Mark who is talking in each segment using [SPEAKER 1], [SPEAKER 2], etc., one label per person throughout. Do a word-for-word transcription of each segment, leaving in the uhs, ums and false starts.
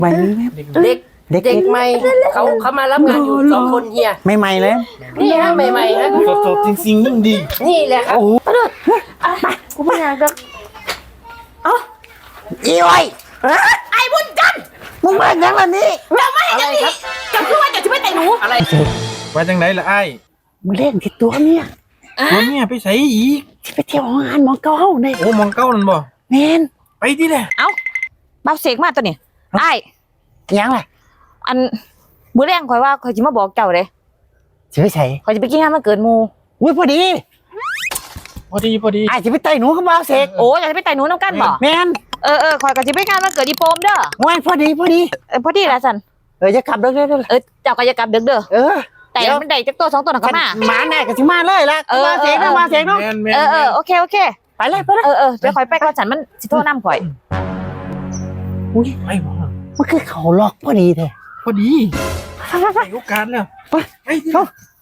[SPEAKER 1] ใหม่ไหม
[SPEAKER 2] เด็กเด็กเด็กใหม่เขาเขามารับงานอยู่สองคนเฮีย
[SPEAKER 1] ไม่ใหม่เลย
[SPEAKER 2] นี่ฮะใหม่ๆฮะ
[SPEAKER 3] สดๆจริงๆยิ่งดี
[SPEAKER 2] นี่แหละครับ
[SPEAKER 1] โอ้โห
[SPEAKER 4] กูไม่อยากจะ
[SPEAKER 1] อีไว้
[SPEAKER 4] ไอ้บุญจันทร์
[SPEAKER 1] มึงมาอย่างไรนี่
[SPEAKER 4] จะไม่ให้
[SPEAKER 2] อะไร
[SPEAKER 4] จะ
[SPEAKER 2] ครับ
[SPEAKER 4] จะคือว่าจะจะไม่แต่หนู
[SPEAKER 2] อะไร
[SPEAKER 3] ว่าจังไหนล่ะไอ้
[SPEAKER 1] มึงเล่นที่ตัวเมีย
[SPEAKER 3] ตัวเนี่ยไปใส่อีก
[SPEAKER 1] ที่ไปเที่ยวงานหมอเก้าเนี่ย
[SPEAKER 3] โอ้มองเก้านั่นบ่
[SPEAKER 1] แมน
[SPEAKER 3] ไปที่แหละ
[SPEAKER 4] เอ้าบ้าเสกมาตัวนี้ไอ้
[SPEAKER 1] ยังไง
[SPEAKER 4] อันมื้อแรงข่อยว่าข่อยสิมาบอกเจ้าเด้
[SPEAKER 1] จะไปใส่
[SPEAKER 4] ข่อยจะไปกินงานมันเกิดหมู่
[SPEAKER 1] อุ้ยพอดี
[SPEAKER 3] พอดีพอดี
[SPEAKER 1] ไอ้จะไปไต่หนูเขามาเสก
[SPEAKER 4] โอ้อยากจะไปแต่หนูน้ำกันบ่
[SPEAKER 1] แมน
[SPEAKER 4] เออเออข่อยก็สิไปงานมันเกิดอีโปมเด้อ
[SPEAKER 1] ว้ายพอดีพอดี
[SPEAKER 4] เออพอดีล่ะสัน
[SPEAKER 1] เออจะขับรถได้เลย
[SPEAKER 4] เออเจ้าก็อย่ากลับดึกเด้อ
[SPEAKER 1] เออ
[SPEAKER 4] แต่มันได้จักตัวสองตัวน่ะก็มา
[SPEAKER 1] หมาแน่ก็สิมาเลยละ
[SPEAKER 4] เออ
[SPEAKER 1] มาเสกนะมาเสกเนาะ
[SPEAKER 3] แมนแมน
[SPEAKER 4] เออเออโอเคโอเค
[SPEAKER 1] ไปเลยไปเลย
[SPEAKER 4] เออเออเดี๋ยวข่อยไปก่อนฉันมันสิโทรนำข่อย
[SPEAKER 1] อุ้ย
[SPEAKER 3] ไปบ่
[SPEAKER 1] มันคือเขาล็อกพอดีเถอะ
[SPEAKER 3] พอดีไปโอกาสแล้วไปไปที่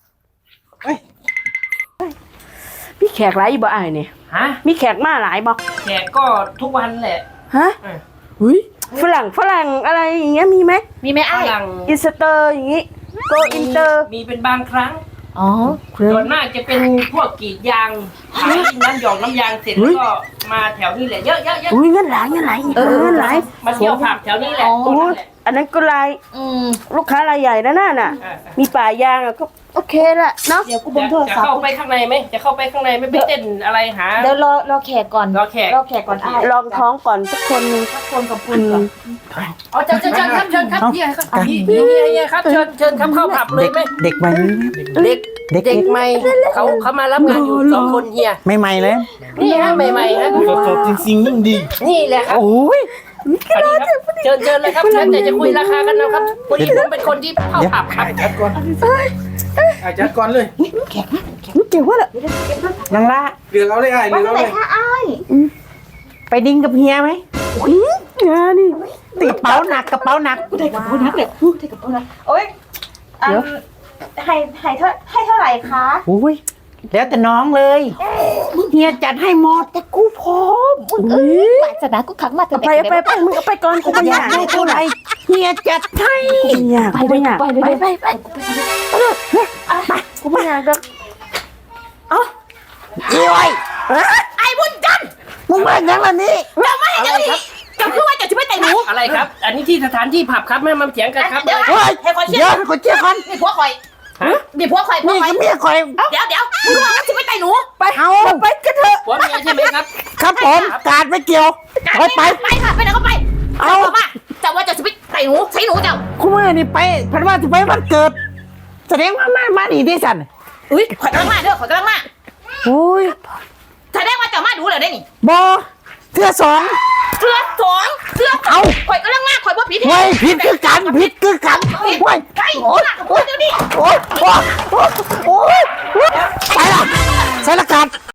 [SPEAKER 5] มีแขกหลายบ่อ้ายนี่
[SPEAKER 2] ฮะ
[SPEAKER 5] มีแขกมาหลายบ่
[SPEAKER 2] แขกก็ทุกวันแหละ
[SPEAKER 5] ฮะ
[SPEAKER 2] เออ
[SPEAKER 5] หุ้ยฝรั่งฝรั่งอะไรอย่างเงี้ยมีไหม
[SPEAKER 4] มีไหม
[SPEAKER 2] ฝ
[SPEAKER 4] ไอ้าย
[SPEAKER 2] รั่ง
[SPEAKER 5] อินสเตอร์อย่างงี้โกอินเตอร์
[SPEAKER 2] มีเป็นบางครั้ง
[SPEAKER 4] อ๋อ
[SPEAKER 2] ส่วนมากจะเป็นพวกกรีดยางขายน้ำหยองน้ำยางเสร็จแล้วก็มาแถวนี้แหละเยอะเยอะเยอะ
[SPEAKER 5] อุ้ยเงินหลายเงินหลายเออเงินหลาย
[SPEAKER 2] มาเที่ยวผับแถวนี้แหละ
[SPEAKER 5] โอ้ยอันนั้นก็ราย
[SPEAKER 4] อืม
[SPEAKER 5] ลูกค้ารายใหญ่นะน่ะน่ะ
[SPEAKER 2] เออ
[SPEAKER 5] มีป่ายางอะก็โอเคละเนาะ
[SPEAKER 4] เดี๋ยวกู
[SPEAKER 2] จะ
[SPEAKER 4] เบิ่งโทร
[SPEAKER 2] จะ
[SPEAKER 4] ศัพ
[SPEAKER 2] เข้า
[SPEAKER 4] ท์
[SPEAKER 2] ไปข้างในไหมจะเข้าไปข้างในไม่ไปเต้นอะไรหา
[SPEAKER 4] เดี๋ยวรอรอแขกก่อน
[SPEAKER 2] รอแขก
[SPEAKER 4] รอแขกก่อนอ้าย
[SPEAKER 5] ลองท้องก่อนสักคนหนึง
[SPEAKER 4] สักคนกับคุ
[SPEAKER 5] อื
[SPEAKER 4] ณก่อน
[SPEAKER 5] ม
[SPEAKER 2] อ๋อเชิญเชิญเชิญครับเชิญครับเฮียครับเฮียเฮียเฮียครับเชิญเชิญครับเข้าผับเลยไหม
[SPEAKER 1] เด็กใหม่ไหม
[SPEAKER 2] เด็ก
[SPEAKER 1] เด็ก
[SPEAKER 2] เด็กใหม่เขาเขามารับงานอยู่สองคนเฮีย
[SPEAKER 1] ไม่ใหม่เลย
[SPEAKER 2] นี่ฮะใหม่ๆฮะ
[SPEAKER 3] สดๆจริงๆยิ่งดี
[SPEAKER 2] นี่แหละครับ
[SPEAKER 1] โอ้ย
[SPEAKER 2] สวัสดีครับเชิญเชิญเลยครับเชิญแต่จะคุยราคากันนะครับวันนี้ผมเป็นคนที่เข้าผับครับ
[SPEAKER 3] ไอ้จัดก่อนไอ้จัดก่อนเลย
[SPEAKER 5] เจ๋งว่าละ
[SPEAKER 1] นางละ
[SPEAKER 3] เลือกเอาเลยไอ้เลือกเอาเลย
[SPEAKER 1] ไปดิ้งกับเฮียไหม
[SPEAKER 5] งานนี่
[SPEAKER 1] ติดกระเป๋าหนักกระเป๋าหนัก
[SPEAKER 4] ได้กับโบนัสเลยได้กับโบนัสโอ้ยอันให้ให้เท่าให้เท่าไหร่คะ
[SPEAKER 1] โอ้ยแล้วแต่น้องเลยเฮียจัดให้หมดแต่กูพร้อม
[SPEAKER 4] เอ้ยปาสนากูขังมาแต่
[SPEAKER 5] ไป
[SPEAKER 4] เด็ก
[SPEAKER 5] ไปไปมึงเอาไปก่อนกูไม่อยาก ก
[SPEAKER 1] อายได้เท่าไหร่เฮียจัดให้
[SPEAKER 5] กูไม่อยาก
[SPEAKER 4] ไป
[SPEAKER 5] กู
[SPEAKER 4] เล
[SPEAKER 5] ไม่
[SPEAKER 4] ย
[SPEAKER 5] อยาก
[SPEAKER 4] ไปเลยไปไป
[SPEAKER 5] กูไม่อยากจะ
[SPEAKER 1] อีไว้
[SPEAKER 4] ไอ้บุญจันทร์
[SPEAKER 1] มึงมาอย่างไรนี่
[SPEAKER 4] จะไม่ให้จะดีจะคือว่าจะจะไม่แต่หนู
[SPEAKER 2] อะไรครับ อันนี้ที่สถานที่ผับครับไม่มาเถียงกันครับ
[SPEAKER 4] เดี๋ยว
[SPEAKER 1] เฮ้ย
[SPEAKER 4] ให้คนเชื่
[SPEAKER 1] เดี๋
[SPEAKER 4] อ
[SPEAKER 1] ยวคนเชี่ยคน
[SPEAKER 4] มีผัวคอยมีผัวคอยผัว
[SPEAKER 1] นี่
[SPEAKER 4] คอย
[SPEAKER 1] ก็เมียคอย
[SPEAKER 4] เดี๋ยวเดี๋ยวมึงว่าจะไม่แต่หนู
[SPEAKER 1] ไปเอา
[SPEAKER 5] ไปกันเถอะ
[SPEAKER 2] ผัวเมียใช่ไหมครับ
[SPEAKER 1] ครับผมการไม่เกี่ยวไปไป
[SPEAKER 4] ไปค่ะไปไหนก็ไป
[SPEAKER 1] เอา
[SPEAKER 4] มาจะว่าจะจะไม่แต่หนูใช้หนูเจ้า
[SPEAKER 1] คุณแม่นี่ไปพันว่าจะไปวันเกิด แสดงว่ามามาดีที่สัน
[SPEAKER 4] อุ้ยข่อยกำลังมาเด้อข่อยกำลังมา
[SPEAKER 1] โอ้ย
[SPEAKER 4] แสดงว่าเจ้ามาดูเลยได้นี่
[SPEAKER 1] บอเทือสอง
[SPEAKER 4] เสื้อสองเสื้อข่อยกำลังมาข่อยว่าผิด
[SPEAKER 1] เว้ยผิดคือกันผิดคือกันเว้ย
[SPEAKER 4] ไอ้โอ้ยโอ้ยเดี๋ยวนี้
[SPEAKER 1] โอ้ยโอ้ยโอ้ยโอ้ยไปละใส่ละกัน